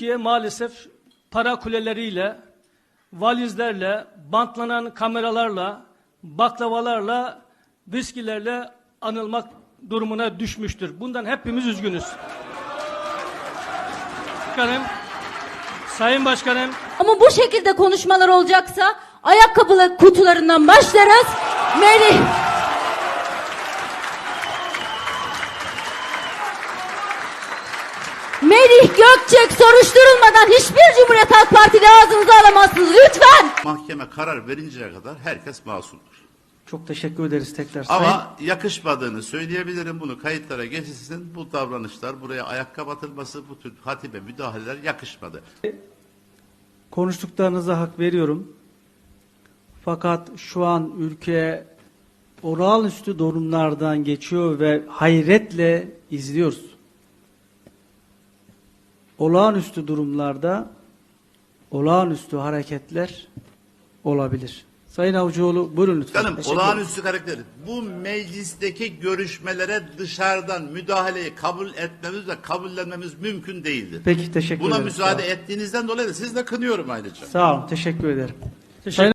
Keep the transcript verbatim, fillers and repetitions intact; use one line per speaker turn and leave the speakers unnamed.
Türkiye maalesef para kuleleriyle, valizlerle, bantlanan kameralarla, baklavalarla, viskilerle anılmak durumuna düşmüştür. Bundan hepimiz üzgünüz. Başkanım, Sayın Başkanım.
Ama bu şekilde konuşmalar olacaksa ayakkabı kutularından başlarız. Merih. Merih Gökçek soruşturulmadan hiçbir Cumhuriyet Halk Partili ağzınıza alamazsınız lütfen.
Mahkeme karar verinceye kadar herkes masumdur.
Çok teşekkür ederiz tekrar.
Ama Sayın... yakışmadığını söyleyebilirim, bunu kayıtlara geçilsin. Bu davranışlar, buraya ayakkabı atılması, bu tür hatibe müdahaleler yakışmadı.
Konuştuklarınıza hak veriyorum. Fakat şu an ülke olağanüstü durumlardan geçiyor ve hayretle izliyoruz. Olağanüstü durumlarda olağanüstü hareketler olabilir. Sayın Avcıoğlu buyurun lütfen.
Canım, olağanüstü karakter. Bu meclisteki görüşmelere dışarıdan müdahaleyi kabul etmemiz ve kabullenmemiz mümkün değildir.
Peki, teşekkür
Buna
ederim.
müsaade ettiğinizden dolayı da siz de kınıyorum ayrıca.
Sağ olun, teşekkür ederim.
Teşekkür